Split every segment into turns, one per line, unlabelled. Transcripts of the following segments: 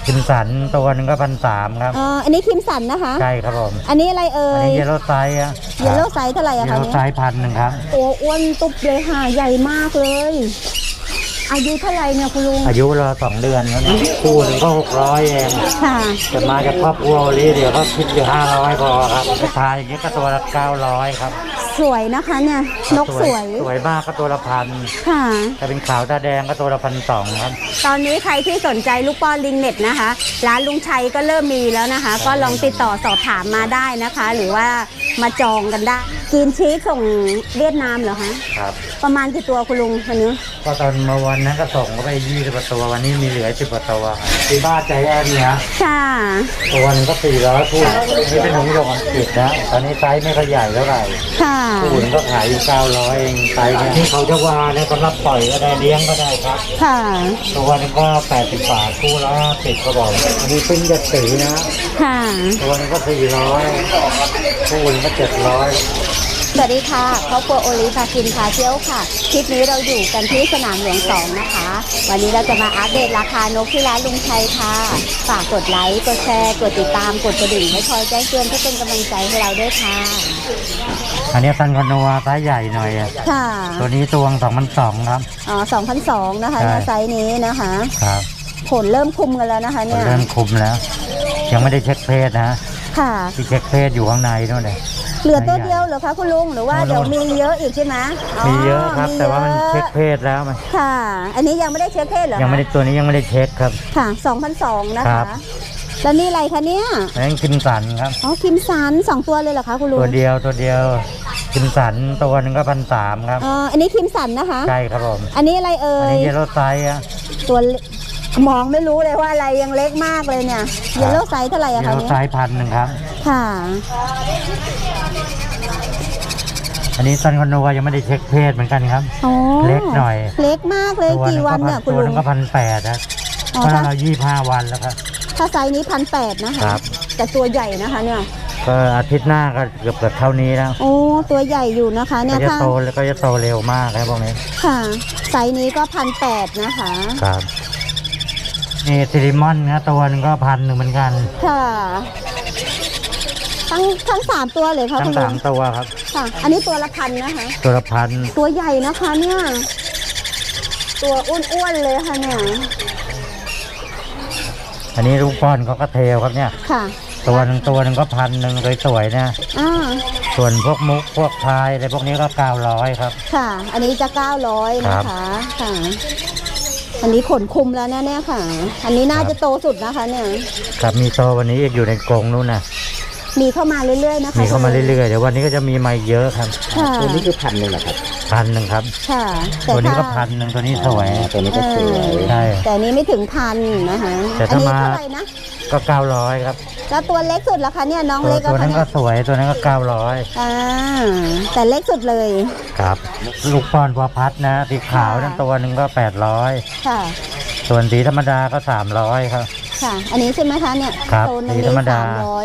คิมสันตัวนึงก็1,300ครับ
อันนี้คิมสันนะคะ
ใช่ครับผม
อันนี้อะไรเอ่ย
อันนี้เยลโล่ไซส์อะ
เยลโล่ไซส์เท่าไหร่อะคะ
เยลโล่ไซส์1,000ครับ
ตัวอ้วนตุ๊บเลยค่ะใหญ่มากเลยอายุเท่าไหร่เนี่ยคุณลุง
อายุเรา2 เดือนแล้วเนี่ยคู่นึงก็600เอง
ค่ะ
จะมาจากครอบครัวนี้เดี๋ยวก็คิดอยู่500พอครับไปทายอย่างนี้ก็ตัวละ900ครับ
สวยนะคะเนี่ยนกส
วยมากก็ตัวละ1,000
ค่ะ
ถ้าเป็นขาวตาแดงก็ตัวละ1,200ครับ
ตอนนี้ใครที่สนใจลูกป้อนลิงเน็ตนะคะร้านลุงชัยก็เริ่มมีแล้วนะคะ ก็ลองติดต่อสอบถามมาได้นะคะ หรือว่ามาจองกันได้กินชีสส่งเวียดนามเหรอคะ
ครับ
ประมาณกี่ตัวคุณลุงวันนี้
ก็ตอนเมื่อวันนั้นก็ส่งก็ไป20 กว่าตัววันนี้มีเหลือ10 กว่าตัวที่บ้านใจแอนเนี่ย
ค่ะ
ตัวนึงก็400คู่นี่เป็นหงส์หยกอังกฤษนะตอนนี้ไซส์ไม่ค่อยใหญ่เท่าไหร่
ค่ะ
คู่นึงก็ขายอยู่900เองไซส์เนี่ยที่เขาจะว่าเนี่ยก็รับปล่อยก็ได้เลี้ยงก็ได้ครับ
ค่ะ
ตัวนึงก็80 บาทคู่ละ10ก็บอกอันนี้ปิ้งจะสีนะ
ค่ะ
ตัวนึงก็400คู่นึงก็700
สวัสดีค่ะครอบครัวโอลิพากินพาเที่ยวค่ะคลิปนี้เราอยู่กันที่สนามหลวง2นะคะวันนี้เราจะมาอัปเดตราคานกที่ร้านลุงชัยค่ะฝากกดไลค์กดแชร์กดติดตามกดกระดิ่งให้คอยแจ้งเตือนเพื่อเป็นกำลังใจให้เราด้วยค่ะ
อันนี้ซันคอนโนวาไซส์ใหญ่หน่อย
ค่ะ
ตัวนี้ตัว2,200ครับ
2,200นะคะไซส์นี้นะคะ
ครับ
ผลเริ่มคุมกันแล้วนะคะเนี่ย
เริ่มคุมแล้วยังไม่ได้เช็คเพศนะ
ค่ะ
ที่เช็คเพศอยู่ข้างในนู่นเลย
เหลือตัวเดียวเหรอคะคุณลุงหรือว่าเดี๋ยวมีเยอะอีกใช่ไหม
มีเยอะครับแต่ว่ามันเช็คเพศแล้วมัน
ค่ะอันนี้ยังไม่ได้เช็คเพศเหรอ
ยังไม่ได้ตัวนี้ยังไม่ได้เช็คครับ
ค่ะ2,200นะคะแล้วนี่อะไรคะเนี่ย
นั่นคิมสันครับ
คิมสัน2 ตัวเลยเหรอคะคุณลุง
ตัวเดียวคิมสันตัวนึงก็1,300ครับ
อันนี้คิมสันนะคะ
ใช่ครับผม
อันนี้อะไรเอ่ย
อันนี้เยลโล่ไซส์
ตัวมองไม่รู้เลยว่าอะไรยังเล็กมากเลยเนี่ยเยลโล่ไซส์เท่าไหร่อะคะ
เยลโล่ไซส์1,000ครับ
ค่ะ
อันนี้ซันคอนโนวายังไม่ได้เช็คเพศเหมือนกันครับเล็กหน่อย
เล็กมากเลยกี่วันเนี่ยคุณลุง
ตัวนึงก็1,800นะเพราะเรา25 วันแล้วครับ
ถ้าไซส์นี้1,800นะคะแต่ตัวใหญ่นะคะเนี่ย
ก็อาทิตย์หน้าก็เกือบเท่านี้แล้ว
โอ้ตัวใหญ่อยู่นะคะเนี่ย
ก็จะโตแล้วก็จะโตเร็วมากครับพวกนี้
ค่ะไซส์นี้ก็1,800นะคะ
ครับนี่ซิลิมอนนะตัวนึงก็1,100เหมือนกัน
ค่ะทั้ง3 ตัวเลยค่ะ
ทั้ง3 ตัวครับ
ค่ะอันนี้ตัวละ1,000นะคะ
ตัวละ1,000
ตัวใหญ่นะคะเนี่ยตัวอ้วนๆเลยค่ะเนี่ย
อันนี้ลูกป้อนเขาก็เทลครับเนี่ย
ค่ะ
ตัวนึงก็1,100สวยๆนะส่วนพวกมุกพวกพายอะไรพวกนี้ก็900ครับ
ค่ะอันนี้จะ900นะคะค่ะอันนี้ขนคุมแล้วแน่ๆค่ะอันนี้น่าจะโตสุดนะคะเนี่ย
ครับมีโตวันนี้อยู่ในกรงนู้นนะ
มีเข้ามาเรื่อยๆนะคะ
มีเข้ามาเรื่อยๆเดี๋ยววันนี้ก็จะมีมาเยอะครับ
ตัวนี้คือ
1,000เหรอครับ1,000ครับ
ค่ะ
ตัวนี้ก็1,000ตัวนี้สวย
ตัวนี้ก็สวย
ใช่
แต่นี้ไม่ถึง1,000นะคะ
แต่ถ้ามาก็900ครับ
แล้วตัวเล็กสุดล่ะคะเนี่ยน้องเล็ก
ตัวนั้นก็สวยตัวนั้นก็900
แต่เล็กสุดเลย
ครับลูกป้อนพอพัดนะสีขาวนั่นตัวนึงก็800
ค่ะ
ส่วนสีธรรมดาก็300ครับ
ค่ะอันนี้ใช่ไหมคะเนี่ย
ครับสีธรรมดา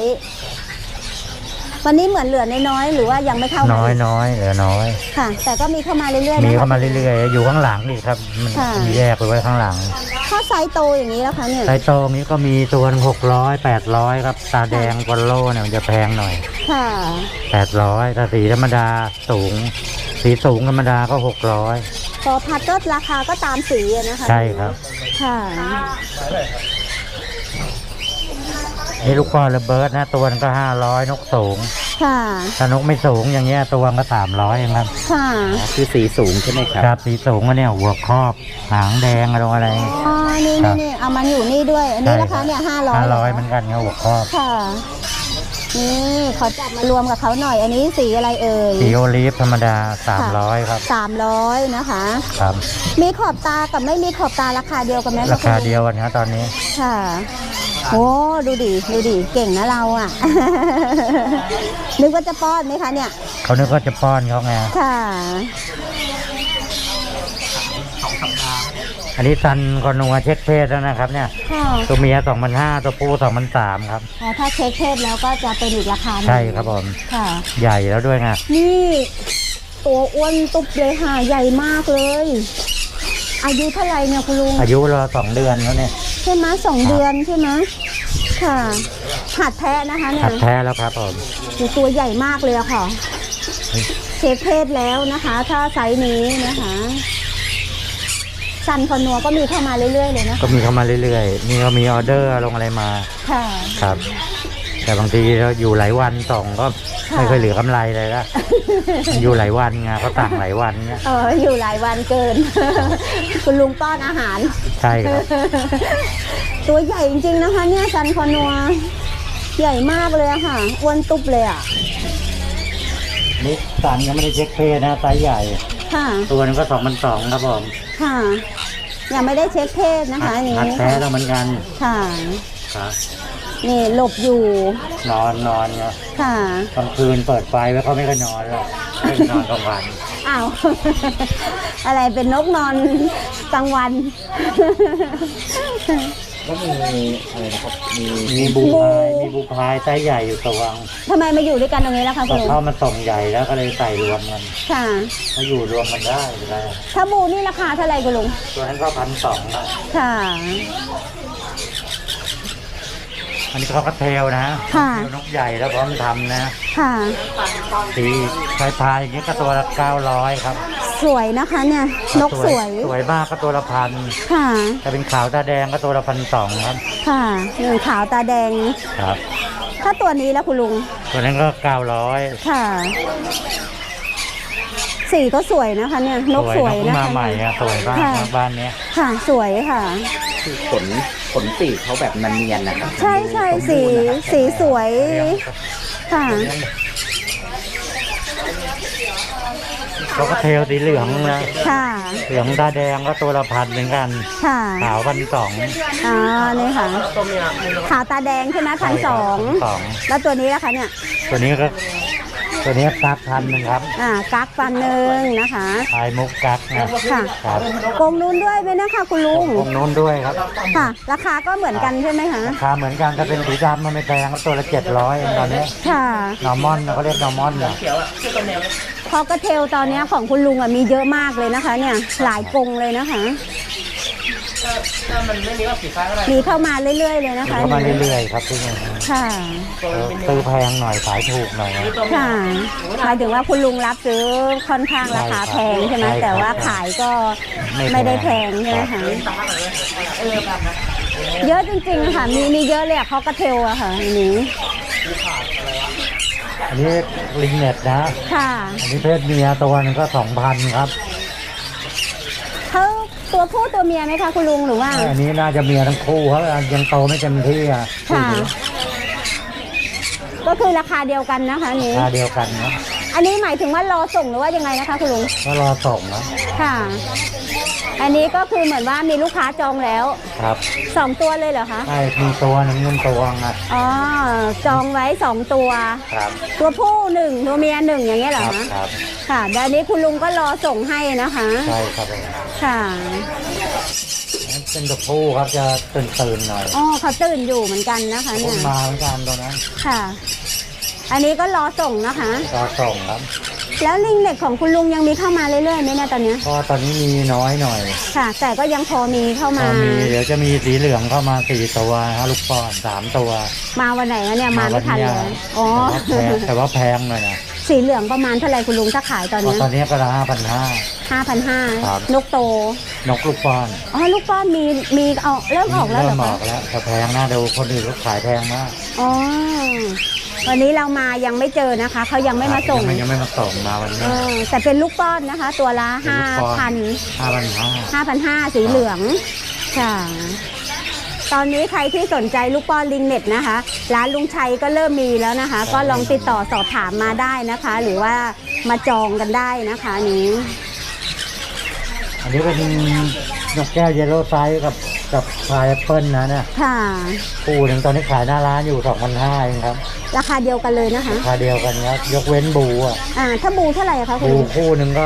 วันนี้เหมือนเหลือน้อยๆหรือว่ายังไม่เข้า
น้อยเหลือน้อย
ค่ะแต่ก็มีเข้ามาเรื่อยๆ
มีเข้ามาเรื่อยๆอยู่ข้างหลังนี่ครับมันมีแยกไปไว้ข้างหลัง
ถ้าไซส์โตอย่างนี้แล้วคะเนี่ย
ไซส์โตนี้ก็มีตัว600 800ครับตาแดงวอลโล่เนี่ยมันจะแพงหน่อย
ค่ะ
800แต่สีธรรมดาสูงสีสูงธรรมดาก็600
พอพัดก็ราคาก็ตามสีนะคะ
ใช่ครับ
ค่ะ
นี่ลูกป้อนระเบิดนะตัวนึงก็500นกสูง
ค่ะ
ถ้านกไม่สูงอย่างเงี้ยตัวก็300เองครับ
ค่ะ
คือสีสูงใช่ไหมครับครับสีสูงก็เนี่ยหัวครอบหางแดงอะไร
นี่เอามันอยู่นี่ด้วยอันนี้ราคาเนี่ย500
เหมือนกันครับหัวครอบ
ค่ะนี่ขอจับมารวมกับเขาหน่อยอันนี้สีอะไรเอ่ย
สีโอลีฟธรรมดา300ครับ
300นะคะ
ครับ
มีขอบตากับไม่มีขอบตาราคาเดียวกันไหม
ราคาเดียวกันครับตอนนี้
ค่ะโอ้ดูดิเก่งนะเราอ่ะนึกว่าจะป้อนไหมคะเนี่ย
เขานึกว่าจะป้อนเขาไง
ค่ะ
อันนี้ซันคอนโนวาเช็คเพศแล้วนะครับเนี่ยตัวเมีย2,500ตัวผู้2,300ครับ
ถ้าเช็คเพศแล้วก็จะเป็นอีกราคา
ใช่ครับผม
ค่ะ
ใหญ่แล้วด้วยไง
นี่ตัวอ้วนตุ๊บเลยค่ะใหญ่มากเลยอายุเท่าไหร่เนี่ยคุณลุง
อายุเรา2 เดือนแล้วเนี่ย
ช่ไหม2 เดือนใช่ไหมค่ะหัดแท้นะคะเนี่
หั
ย
ดแท้แล้วครับผม
ตัวใหญ่มากเลยอะค่ะเชฟเพศแล้วนะคะ ถ้าไซส์นี้นะคะซันคอนัวก็มีเข้ามาเรื่อยๆเลยนะคะ
ก็มีเข้ามาเรื่อยๆนี่ก็มีออเดอร์ลงอะไรมา
ค่ะ
ครับ แต่บางทีเราอยู่หลายวันส่งก็
ค่ะ
ไม่เคยเหลือกำไรเลยละอยู่หลายวันไงเขาสั่งหลายวันเนี่ย
อยู่หลายวันเกิน คุณลุงป้อนอาหาร
ใช่ครับ
ตัวใหญ่จริงๆนะคะ เนี่ยซันคอนัวใหญ่มากเลยอะค่ะอ้วนตุ๊บเลยอะ
นี่สันยังไม่ได้เช็คเพศนะไซส์ใหญ่
ค่ะ
ตัวนึงก็2,200ครับผม
ค่ะยังไม่ได้เช็คเพศนะคะอันนี้
หัดแท้แล้วเหมือนกัน
ค่ะ
ครับ
นี่หลบอยู่
นอนเนี่ย
ค่ะ
กลางคืนเปิดไฟไว้เขาไม่ก็นอนหรอกไม่นอนกลางวัน
อ้าว อะไรเป็นนกนอนกลางวัน
ก็มีอะไรนะครับมีบูพายมีบูพายไซส์ใหญ่อยู่ตัวง
ทำไมมาอยู่ด้วยกันตรงนี้ล่ะคะ
ก็
คุณลุง
เข้ามาส่งใหญ่แล้วก็เลยใส่รวมกัน
ค่ะ
มาอยู่รวมกันได้เลย
ถ้าบูนี่ราคาเท่าไหร่คุณลุง
ตัวนั้นก็1,200ครับ
ค่ะ
อันนี้เขาก็เทลนะ
ค่ะ
เทลนกใหญ่แล้วพร้อมทำนะ
ค่ะ
สีพายอย่างนี้ก็ตัวละ900ครับ
สวยนะคะเนี่ย นกสวย
สวยมากก็ตัวละพัน
ค่ะ
ถ้าเป็นขาวตาแดงก็ตัวละ1,200ครับ
ค่ะหนึ่งขาวตาแดง
ครับ
ถ้าตัวนี้แล้วคุณลุง
ตัวนั้นก็900
ค่ะ สีก็สวยนะคะเนี่ย นกสวย
นก
นะ
มา
คะ
ใหม่อะสวยมาก
ค่ะ
บ้านเนี้ย
ค่ะ สวยค่ะ
คือขนปีกเขาแบบนันเนียนนะครับ
ใช่ใช่สีสวย ค่ะ
เขาก็เทลสีเหลืองนะ
ค่ะ
เหลืองตาแดงก็ตัวละ1,000เหมือนกัน
ค่ะ
ขาว1,200
อ๋อนี่ค่ะ ขาวตาแดงใช่ไหม1,200แล้วตัวนี้ล่ะคะเนี่ย
ตัวนี้กัก1,000ครับ
กักฟันหนึ่งนะคะ
พายมุกกักนะ
ค่ะ
ครับ
กรงนู้นด้วยไหมนะคะคุณลุง
วงนู้นด้วยครับ
ค่ะ ราคาก็เหมือนกันใช่ไหมคะ
ราคาเหมือนกันถ้าเป็นสีดำมันไม่แพงก็ตัวละ700เองตอนนี้
ค่ะ
นอร์มอนเขาเรียกนอร์มอนนะ
คอกระเทลตอนนี้ของคุณลุงมีเยอะมากเลยนะคะ เนี่ย หลายกรงเลยนะคะ มีเข้ามาเรื่อยๆเลยนะคะ
เข้ามาเรื่อยๆครับที่นี่
ค่ะ
ซื้อแพงหน่อยขายถูกหน่อยนะ
ค่ะหมายถึงว่าคุณลุงรับซื้อค่อนข้างราคาแพงใช่ไหม
ใช่ครับ
แต่ว่าขายก็
ไม่
ไม่ได้
แพ
แพ
ง
งใช่ไหมคะเยอะจริงๆค่ะมีเยอะเลยเขากระเทลอะค่ะอันนี้
อันนี้ลิงเน็ตนะ
ค่ะ
อันนี้เพศเมียตัวหนึงก็2,000ครับ
เขาตัวผู้ตัวเมียไหมคะคุณลุงหรือว่า
อันนี้น่าจะเมียทั้งคู่เขายังโตไม่เต็มที่อ่ะ
ค่ะ ก็คือราคาเดียวกันนะคะอันนี้
ราคาเดียวกันนะ
อันนี้หมายถึงว่ารอส่งหรือว่ายังไงนะคะคุณลุง
ก็รอส่งนะ
ค่ะ อันนี้ก็คือเหมือนว่ามีลูกค้าจองแล้ว
ครับ
2 ตัวเลยเหรอคะ
ใช่มีตัวหนึงตัวนะ
อ๋อจองไว้2 ตัว
ครับ
ตัวผู้1ตัวเมีย1อย่างเงี้ยเหรอ
ครับ
คะ
ครับ
ค่ะเดี๋ยวอันนี้คุณลุงก็รอส่งให้นะคะ
ใช่ครับผม
ค่ะ
เป็นตัวผู้ครับจะตื่นๆหน่อย
อ๋อเขาตื่นอยู่เหมือนกันนะคะ
พุ่
เนี่ย
งมาเหมือนกันตัวนั้น
ค่ะ อันนี้ก็รอส่งนะคะ
รอส่งครับ
แล้วลิงเด็กของคุณลุงยังมีเข้ามาเรื่อยๆไหมเนี่ยตอนเนี้ย
ก็ตอนนี้มีน้อยหน่อย
ค่ะ แต่ก็ยังพอมีเข้า
ก็
มา
มีเดี๋ยวจะมีสีเหลืองเข้ามา4 ตัวฮะลูกป้อน3 ตัว
มาวันไหนวะเนี่ยมาไม่ทันเลยอ๋อ
แต่ว่าแพงหน่อยนะ
สีเหลืองประมาณเท่าไหร่คุณลุงถ้าขายตอน
ก็
เนี้ย
ตอนนี้ก็ละ
5,500
ครับ
นกโต
นกลูกป้อน
อ๋อลูกป้อนมีออกเริ่มออกแล้วเหร
เริ่
อ
มอ
คะ
อกแล้วแต่แพงนะดูคนอื่นเขาขายแพงมาก
อ๋อวันนี้เรามายังไม่เจอนะคะเขายังไม่มาส่ง
ยังไม่มาส่งมาวัน
เอ
นี้
อแต่เป็นลูกป้อนนะคะ ตัวละ
เป็นลูกป้อน
5,000
5,500
5,500สีเหลืองค่ะ ตอนนี้ใครที่สนใจลูกป้อนลิงเน็ตนะคะ ร้านลุงชัยก็เริ่มมีแล้วนะคะ ก็ลองติดต่อสอบถามมาได้นะคะ หรือว่ามาจองกันได้นะคะอันนี้
อันนี้เป็นนกแก้วเยลโล่ไซส์กับพายแอปเปิลนะเนี่ย
ค่ะ
คู่หนึ่งตอนนี้ขายหน้าร้านอยู่2,500เองครับ
ราคาเดียวกันเลยนะคะ
ราคาเดียวกันครับยกเว้นบูอ่ะ
ถ้าบูเท่าไหร่คะคุณ
บู
ลุง
คู่หนึ่งก็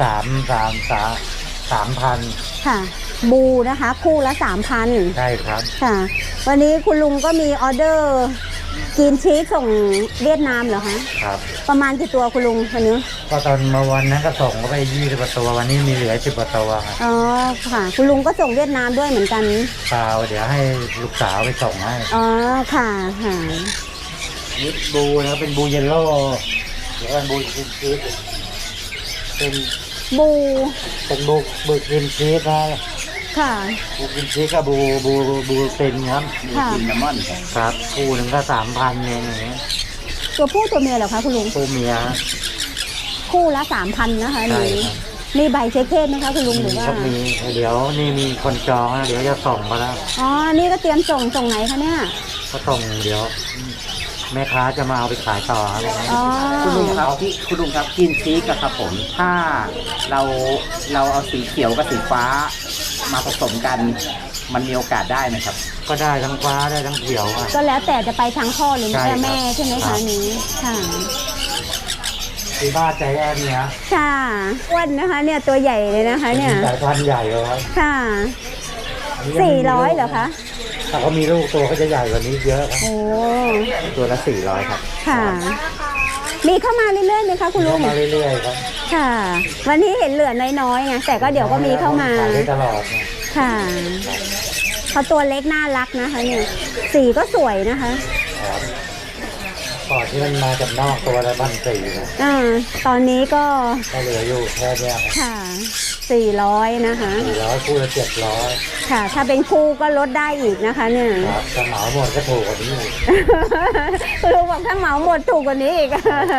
3,000
ค่ะ บูนะคะ คู่ละ 3,000
ใช่ครับ
ค่ะ วันนี้คุณลุงก็มีออเดอร์กินชีสส่งเวียดนามเหรอคะ
ครับ
ประมาณกี่ตัวคุณลุงวันนี้
ก็ตอนเมื่อวันนั้นก็ส่งก็ไป20 กว่าตัววันนี้มีเหลือ10 กว่าตัวครับ
อ๋อค่ะ คุณลุงก็ส่งเวียดนามด้วยเหมือนกัน
เปล่าเดี๋ยวให้ลูกสาวไปส่งให้
อ๋อค่ะค่ะ
นี่บูนะครับเป็นบูเยลโล่เดี๋ยวเป็นบูกินชีสเป็น
บู
บูกินชีสนะ
ค่ะ
บูกินชีสกับบูเต็นครับ
ค่ะ
กินน้ำมันครับ
ครับคู่หนึ่งก็3,000เองอย่างเงี้ย
ตัวผู้ตัวเมียเหรอคะคุณลุง
คู่เมีย
คู่ละ3,000นะคะ
ใช่
นี่
ครับ
มีใบเช็คเพศไหมคะคุณลุงหรือว่า
ก็มีเดี๋ยวนี่มีคนจองนะเดี๋ยวจะส่งมาแล้ว
อ๋อนี่ก็เตรียมส่งไหนคะเนี่ย
ก็ส่งเดี๋ยว แม่ค้าจะมาเอาไปขายต่อครับ
อ๋อ
คุณลุงครับที่คุณลุงครับกินชีสอะครับผมถ้าเราเอาสีเขียวกับสีฟ้ามาผสมกัน มันมีโอกาสได้ไหมครับ
ก็ได้ทั้งฟ้าได้ทั้งเขียวอ่ะ
ก็แล้วแต่จะไปทางพ่อหรือ
ใช่ครับ
แม่ใช่ไหม
ครั
คะ
บ
นี้ค่ะ
ที่บ้านใจแอนเนี่ย
ค่ะอ้วนนะคะ เนี่ยตัวใหญ่เลยนะคะเนี่ย
สายพันธุ์ใหญ่เลยครับ
ค่ะ
อันนี้ยังไม่มีลูก
400เหรอคะ
ถ้าเขามีลูกตัวก็จะใหญ่กว่านี้เยอะครับ
โอ้
ตัวละ400ครับ
ค่ะ มีเข้ามาเรื่อยๆไหมคะคุณลุง
มาเรื่อยๆครับ
ค่ะ วันนี้เห็นเหลือน้อยๆไงแต่ก็เดี๋ยวก็มีเข้ามา
ขายได้ตลอดเนี่ย
ค่ะเขาตัวเล็กน่ารักนะคะเนี่ยสีก็สวยนะคะ
ครับก่อนที่มันมาจากนอกตัวละ1,400นะ
ตอนนี้ก็
ก็เหลืออยู่แค่เนี้ยครับ
ค่ะ400นะคะ
400คู่ละ700
ค่ะ ถ้าเป็นคู่ก็ลดได้อีกนะคะเนี่ย
ครับถ้าเหมาหมดก็ถูกกว่านี้อีก
คุณลุงบอกถ้าเหมาหมดถูกกว่านี้อีก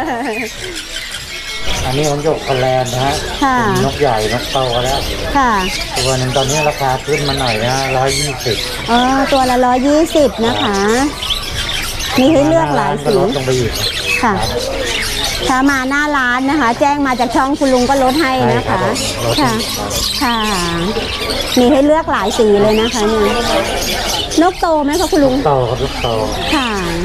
อันนี้ของหยกคอนแลนด์นะฮะ
ค่ะ
เป็นนกใหญ่นกโตแล้ว
ค่ะ
ตัวหนึงตอนนี้ราคาขึ้นมาหน่อยนะ120
อ๋อตัวละ120นะคะ มีให้เลือกหลาย
ก็
สี
ลดลงไปอีก
ค่ะ ถ้ามาหน้าร้านนะคะ แจ้งมาจากช่องคุณลุงก็ลดให้นะคะ
ใช่ครับลด
ค่ะ ค่ะ มีให้เลือกหลายสีเลยนะคะเนี่ยนกโตไหมคะคุณลุง
โตครับลูกโต
ค่ะ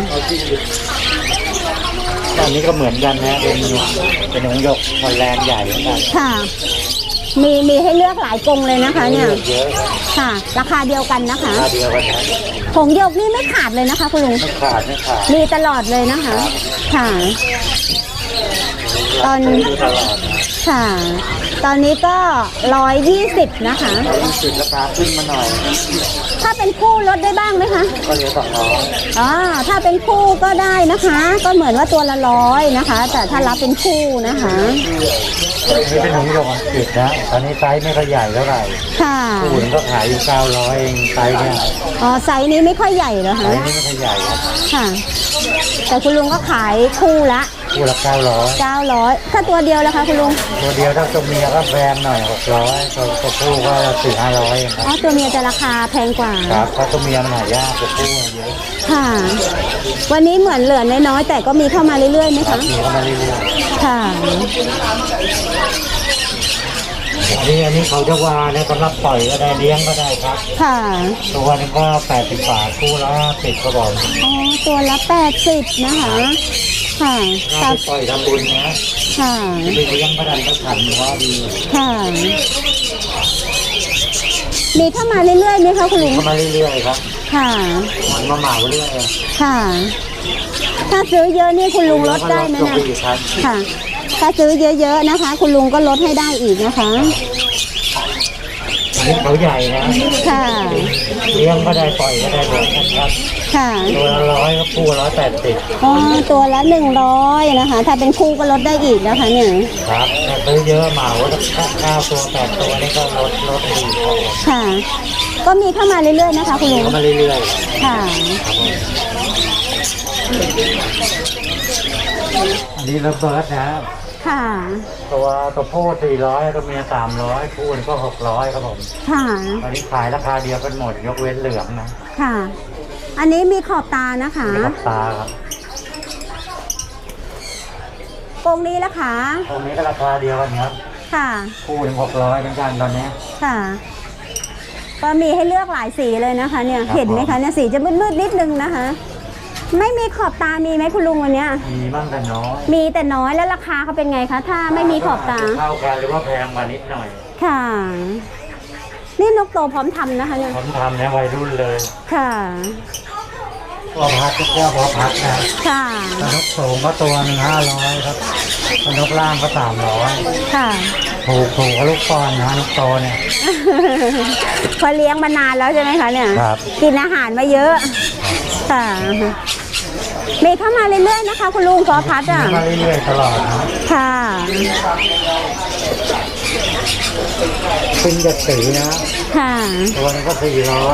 อันนี้ก็เหมือนกันนะเป็นของหยกคอนแลนด์ใหญ่เหมือนกัน
ค่ะ มีให้เลือกหลายกรงเลยนะคะเนี่ย
เยอะครับ
ค่ะ ราคาเดียวกันนะคะ
ราคาเดียวกันนะ
ผงหยกนี่ไม่ขาดเลยนะคะ คุณลุง
ไม่ขาดไม่ขาด
มีตลอดเลยนะคะ ค่ะ ตอน
ดูตลอดนะ
ค่ะ ตอนนี้ก็120นะคะ
120ราคาขึ้นมาหน่อย
ถ้าเป็นคู่ลดได้บ้างไหมคะ
ก็เหลือ200
อ๋อ ถ้าเป็นคู่ก็ได้นะคะ ก็เหมือนว่าตัวละ100นะคะ แต่ถ้ารับเป็นคู่นะคะ
นี่เป็นของหยกอังกฤษนะตอนนี้ไซส์ไม่ค่อยใหญ่เท่าไหร่
ค่ะ
คู่นึงก็ขายอยู่900เองไซส์เนี่ย
อ๋อ ไซส์นี้ไม่ค่อยใหญ่เหรอ
ไซ
คะ
ส์นี้ไม่ค่อยใหญ่ครับ
ค่ะ แต่คุณลุงก็ขายคู่ละ
คู่ละ900
900ถ้าตัวเดียวแล้วคะคุณลุง
ตัวเดียวถ้าตัวเมียก็แพงหน่อย600ตัวผู้ก็400-500เองครับ
อ๋อ ตัวเมียจะราคาแพงกว่า
ครับเพราะตัวเมียมันหายากตัวผู้เยอะ
ค่ะ วันนี้เหมือนเหลือน้อยๆแต่ก็มีเข้ามาเรื่อยๆไหม
ครับ
คะ
มีเข้ามาเรื่อย
ค่ะ
ๆอันนี้เขาจะวาเนี่ยสำหรับปล่อยก็ได้เลี้ยงก็ได้ครับ
ค่ะ
ตัวนึงก็80 บาทคู่ละ10ก็บอก
อ๋อ ตัวละ80นะคะ ค่ะ
ถ้า
ตับ
ไปปล่อยทำบุญนะ
ค่ะ
ไปเลี้ยงก็ได้ก็ทันว่าดี
ค่ะ มีเข้ามาเรื่อยๆไหมคะคุณลุง
เข้ามาเรื่อยๆครับ
ค่ะ
มันมาเหมาเรื่อย
ค่ะ ถ้าซื้อเยอะนี่คุณลุงลดได้ไหม
ลง
นะ
ไปอีกครับ
ค่ะ ถ้าซื้อเยอะๆนะคะ คุณลุงก็ลดให้ได้อีกนะคะ
อันนี้เขาใหญ่นะ
ค่ะ
เลี้ยงก็ได้ปล่อยก็ได้เหมือนกันครับ
ค่ะ
ตัวละ100ก็คู่180
อ๋อ ตัวละ100นะคะ ถ้าเป็นคู่ก็ลดได้อีกนะคะเนี่ย
ครับถ้าซื้อเยอะเหมาถ้า9ตัว8ตัวนี่ก็ลดอีกครับ
ค่ะ ก็มีเข้ามาเรื่อยๆนะคะคุณลุง
เข้ามาเรื่อย
ค่ะ
ๆอันนี้ระเบิดนะ
ค่ะ
ตัวผู้400ตัวเมีย300คู่นี่ก็600ครับผม
ค่ะ
ตอนนี้ขายราคาเดียวกันหมดยกเว้นเหลืองนะ
ค่ะ อันนี้มีขอบตานะคะ
มีขอบตาครับ
กรงนี้ละคะ
ตรงนี้ก็ราคาเดียวกันครับ
ค่ะ
คู่หนึ่ง600เหมือนกันตอนนี้
ค่ะ ก็มีให้เลือกหลายสีเลยนะคะ เนี่ย
ครับ
เห็นไหมคะเนี่ยสีจะมืดๆนิดนึงนะคะ ไม่มีขอบตามีไหมคุณลุงวันเนี้ย
มีบ้างแต่น้อย
มีแต่น้อยแล้วราคาเขาเป็นไงคะ ถ้าไม่มีขอบตา
เท่ากันหรือว่าแพงมานิดหน่อย
ค่ะ นี่นกโตพร้อมทำนะคะเนี่ย
ผมทำเนี่ยวัยรุ่นเลย
ค่ะ
พอพัดก็พอพัดนะ
ค่ะ
กระนกสูงก็ตัวหนึ่ง500ครับกระนกล่างก็300
ค่ะ
ถูกกับลูกปอนนะลูกโตเนี่ย
พอเลี้ยงมานานแล้วใช่ไหมคะเนี่ย
ครับ
กินอาหารมาเยอะ ค่ะมีเข้ามาเรื่อยๆนะคะ คุณลุงพอพัดอ่ะ
มาเรื่อยๆตลอดนะ
ค่ะ
ปิ้งเจ็ดสีนะ
ค่ะ
ตัวนึงก็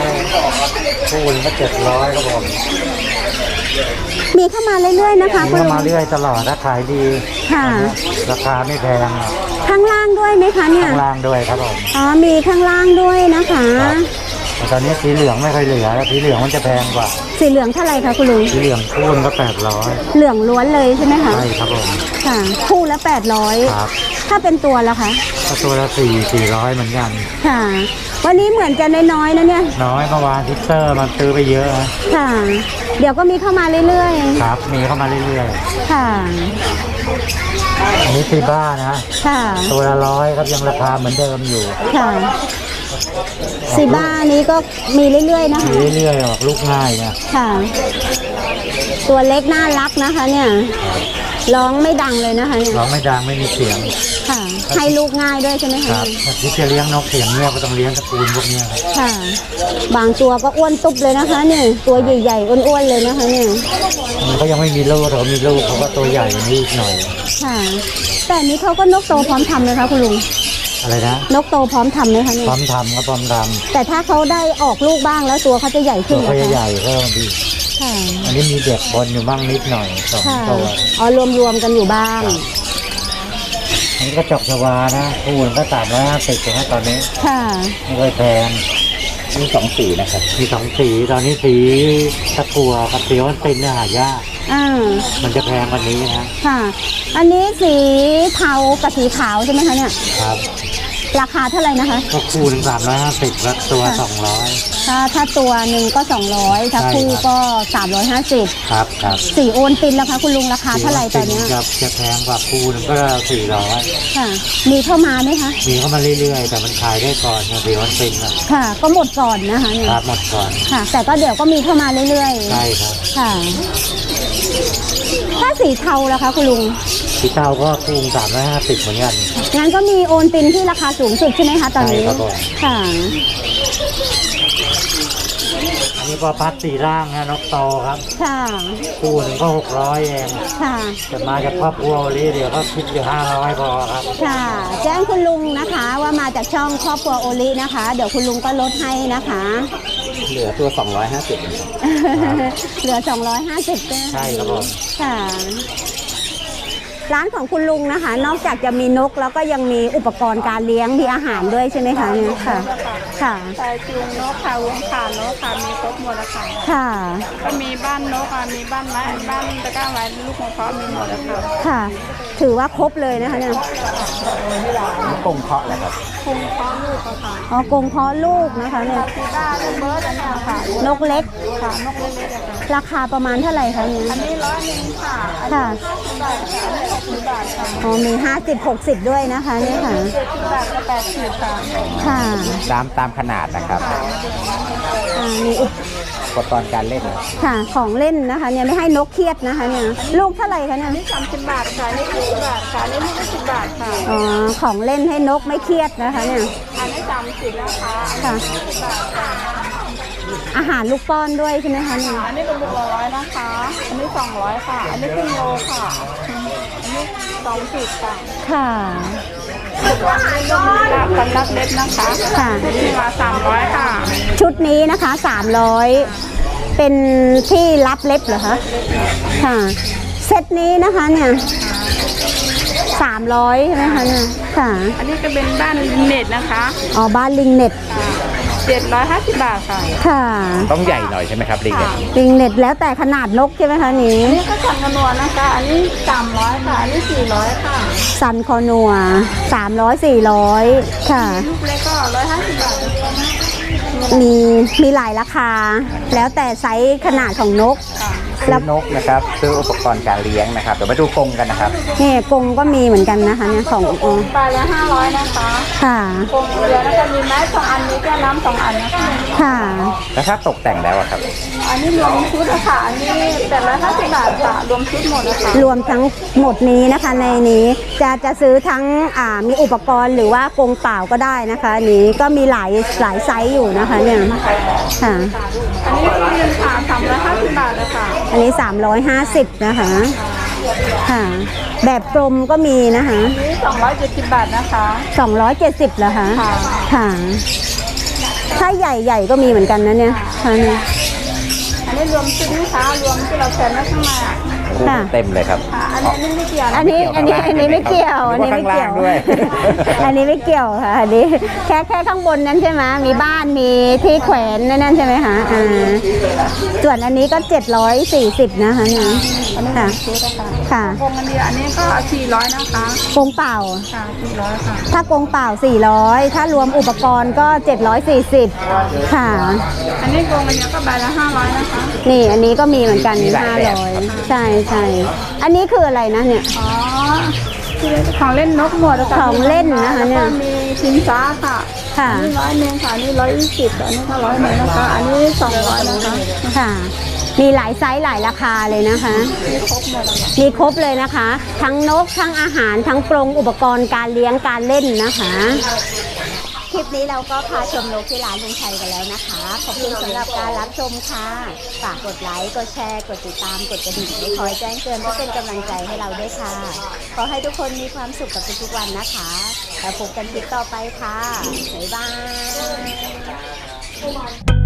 400คู่นึงก็700ครับผม
มีเข้ามาเรื่อยๆนะคะคุณ
ก็
ลุง
มาเรื่อยตลอดถ้าขายดี
ค่ะ
ราคาไม่แพง
ข้างล่างด้วยไหมคะเนี่ย
ข้างล่างด้วยครับผม
อ๋อมีข้างล่างด้วยนะคะ
แต่ตอนนี้สีเหลืองไม่ค่อยเหลือแล้วสีเหลืองมันจะแพงกว่า
สีเหลืองเท่าไหร่คะคุณลุง
สีเหลืองคู่นึงก็800
เหลืองล้วนเลยใช่ไหมคะ
ใช่ครับผม
ค่ะ คู่ละ
ครับ
800ถ้าเป็นตัวละคะ
ก็ตัวละ400เหมือนกัน
ค่ะ วันนี้เหมือนจะน้อยๆนะเนี่ย
น้อยเมื่อวานทิสเตอร์มันซื้อไปเยอะนะ
ค่ะ เดี๋ยวก็มีเข้ามาเรื่อย
ครับ มีเข้ามาเรื่อย
ๆ ค่ะ
ๆอันนี้ซีบ้านะ
ค่ะ
ตัวละ100ครับยังราคาเหมือนเดิมอยู่
ค่ะซีบ้านี้ก็มีเรื่อยๆนะคะ
มีเรื่อยๆออกลูกง่ายนะ
ค่ะ ตัวเล็กน่ารักนะคะ เนี่ยร้องไม่ดังเลยนะคะเนี่ย
ร้องไม่ดังไม่มีเสียง
ค่ะ ให้ลูกง่ายด้วยใช่ไหม
ค
คะ
รับถ้าคิดจะเลี้ยงนกเสียงเงียบก็ต้องเลี้ยงตระกูลพวกเนี้ยครับ
ค่ะ บางตัวก็อ้วนตุ๊บเลยนะคะ เนี่ย ตัวใหญ่ๆอ้วนๆเลยนะคะ เนี่ย
มันก็ยังไม่มีลูกแต่ว่ามีลูกเขาก็ตัวใหญ่กว่านี้อีกหน่อย
ค่ะ แต่อันนี้เขาก็นกโตพร้อมทำเลยคะคุณลุง
อะไรนะ
นกโตพร้อมทำไหมคะเนี่
พ
ย
ร้อมทำก็พร้อมท
แต่ถ้าเขาได้ออกลูกบ้างแล้วตัวเขาจะใหญ่
ำ
ขึ้
ตั
น
ว
เหร
เขา
อ
จะให
คะ
ญ่เพิ่มดี
ค่ะ
อันนี้มีเด็กบนอยู่บ้างนิดหน่อย2
ค่ะ
ตัว
อ๋อรวมๆกันอยู่บ้าง
อันนี้ก็จอกชวานะคู่นึงก็350ถึงตอนนี้
ค่ะ
ไม่เคยแพง
มี2สีนะครับ
มี2สีตอนนี้สีตะกัวกับสีวันตินเนี่ยหายาก
อ่า
มันจะแพงกวันนี้นะ
ค่ะ อันนี้สีเทากับสีขาวใช่ไหมคะเนี่ย
ครับ
ราคาเท่าไหร่นะคะ
ก็คู่หนึ่ง350แล้วตัว200
ถ้าตัวหนึ่งก็200ถ้า
ใช่
คู่
ครับ
ก็350
ครับครับ
สีโอนตินแล้วคะคุณลุงราคาเท่าไหร่ตอนเนี้ย
จะแพงกว่าคู่หนึงก็400
ค่ะ มีเข้ามาไหมคะ
มีเข้ามาเรื่อยๆ แต่มันขายได้ก่อนไงสีวันตินนะ
ค่ะ ก็หมดก่อนนะคะเนี่ย
ครับหมดก่อน
ค่ะ แต่ก็เดี๋ยวก็มีเข้ามาเรื่อย
ใช่ครับ
ๆค่ะ ถ้าสีเทาล่ะคะคุณลุง
สีเทาก็คู่350เหมือนกัน
งั้นก็มีโอนตินที่ราคาสูงสุดใช่ไหมคะตอนนี้
ใช่ครับผม
ค่ะ
อันนี้พอพัดสีร่างนะนกโตครับ
ค่ะ
คู่หนึ่งก็600เอง
ค่ะ
จะมาจากครอบครัวลีเดี๋ยวก็คิดอยู่500พอครับ
ค่ะ แจ้งคุณลุงนะคะว่ามาจากช่องครอบครัวโอลินะคะ เดี๋ยวคุณลุงก็ลดให้นะคะ
เหลือตัว250นะครับ
เหลือ 250ด้วย
ใช่ครับผม
ค่ะ ร้านของคุณลุงนะคะ นอกจากจะมีนกแล้วก็ยังมีอุปกรณ์การเลี้ยงมีอาหารด้วยใช่ไหมคะเนี่ยค่ะ ค่ะ
ใส่จูงนกค่ะวงขานกค่ะมีครบหมดแล้วค่ะ
ค่ะ
ก็มีบ้านนกค่ะมีบ้านไม้บ้านตะกร้าไม้ลูกมะพร้าวมีหมดแล้วค่ะ
ค่ะ ถือว่าครบเลยนะคะเนี่ย
กงเคาะแหละครับ
คุมพร้อมลูกค่ะ
อ๋อกรงเพาะลูกนะคะเนี่ย
ซีด้าลูกเบิร์ดอันเนี้ยค่ะ
นกเล็ก
ค่ะนกเล็กๆอะค่ะ
ราคาประมาณเท่าไหร่คะเนี่ย
อันนี้100ค่ะอัน
ค่ะ
นี้60 บาทค่ะ
อ๋อมี50-60ด้วยนะคะเนี่ยค่ะ
70 บาทก็80ค่ะ
ค่ะ
ตามขนาดนะครับ
มีอุป
อุปกรณ์การเล่น
ค่ะของเล่นนะคะเนี่ยไม่ให้นกเครียดนะคะเนี่ยลูกเท่าไหร่คะเนี่ย
นี่30 บาทค่ะนี่20 บาทค่ะนี่20 บาทค่ะ
อ๋อของเล่นให้นกไม่เครียดนะคะเนี่ย
อันนี้30แล้วค่ะ
ค่ะ
20 บาทค่ะ
อาหารลูกป้อนด้วยใช่ไหมคะเนี่ย
อันนี้เป็นลูกละ100นะคะ อันนี้200ค่ะ อันนี้ครึ่งโลค่ะ อันนี้20ค่ะ
ค่ะ
สำหรับเล็บนะคะ
ค่ะ
ชุดนี้มา300ค่ะ
ชุดนี้นะคะ300เป็นที่รับเล็บเหรอคะค่ะเซตนี้นะคะเนี่ย300ใช่ไหมคะเนี่ยค่ะ
อันนี้ก็เป็นบ้านเน็ตนะคะ
อ๋อบ้านลิงเน็ต
750 บาทค่ะ
ค่ะ
ต้องใหญ่หน่อยใช่ไหมครับลิงเนี่ย
ลิงเน็ตแล้วแต่ขนาดนกใช่ไหมคะนี้
อันนี้ก็สั่งกระนวลนะคะ อันนี้300ค่ะ อันนี้400ค่ะ
ซันคอนัว300-400ค่ะ
ลูกเล็กก็150 บาทนะคะ
มีหลายราคา แล้วแต่ไซส์ขนาดของนก
ค่ะ
ซื้อนกนะครับซื้ออุปกรณ์การเลี้ยงนะครับเดี๋ยวมาดูกรงกันนะครับ
นี่กรงก็มีเหมือนกันนะคะเนี่ยของ
ไปละ500นะคะ
ค่ะ
กงเดียวแล้วก็มีไม้2 อันนี้แก้วน้ำ2 อันนะคะ
ค่ะ
แล้วถ้าตกแต่งแล้วอะครับ
อันนี้รวมชุดอะค่ะอันนี้850 บาทค่ะรวมชุดหมดนะคะ
รวมทั้งหมดนี้นะคะในนี้จะซื้อทั้งมีอุปกรณ์หรือว่ากรงเปล่าก็ได้นะคะอันนี้ก็มีหลายไซส์อยู่นะคะเนี่ยค่ะ
อันนี้คือเงินค่ะ350 บาทนะคะ
อันนี้350นะคะค่ะแบบกลมก็มีนะคะ
อันนี้270 บาทนะคะ
270เหรอคะ
ค่ะ
ค่ะถ้าใหญ่ๆก็มีเหมือนกันนะเนี่ยค่ะเนี่ย
อันนี้รวมชุดนะคะรวมที่เราแขวนไว้ข้างในอะ
ค่ะ
เต็มเลยครับ
ค่ะอันนี้ไม่เกี่ยวนะ
อันนี้ไม่เกี่ยวอันนี้ไม่เกี่ยว
ด้วย
อันนี้ไม่เกี่ยวค่ะอันนี้แค่ข้างบนนั้นใช่ไหมมีบ้านมีที่แขวนนั่นใช่ไหมคะส่วนอันนี้ก็740นะคะเนี่ย
อันนี้
ค่ะ
ชุดนะคะ
ค่ะ
กงอันเดียวอันนี้ก็400นะคะ
กรงเปล่า
ค่ะ400ค่ะ
ถ้ากรงเปล่า400ถ้ารวมอุปกรณ์ก็740ค่ะ
อันนี้กงอันเดียวก็ใบละ500นะคะ
นี่อันนี้ก็มีเหมือนกัน
มีหลายแบบครับ
500ใช่ใช่อันนี้คืออะไรนะเนี่ย
อ๋อคือของเล่นนกหมดแล้วก็
ของเล่นนะคะเนี่ย
แล้วก็มีชิงช้าค่ะ
ค่ะ
อันนี้100ค่ะอันนี้120อันนี้ก็100นะคะ อันนี้200นะคะ
ค่ะ มีหลายไซส์หลายราคาเลยนะคะ
มีครบหมดแล้วค่ะ
มีครบเลยนะคะ ทั้งนกทั้งอาหารทั้งกรงอุปกรณ์การเลี้ยงการเล่นนะคะ คลิปนี้เราก็พาชมนกที่ร้านลุงชัยกันแล้วนะคะ ขอบคุณสำหรับการรับชมค่ะ ฝากกดไลค์ กดแชร์ กดติดตาม กดกระดิ่งไว้คอยแจ้งเตือนเพื่อเป็นกำลังใจให้เราด้วยค่ะ ขอให้ทุกคนมีความสุขกับทุกๆวันนะคะ แล้วพบกันคลิปต่อไปค่ะ บ๊ายบาย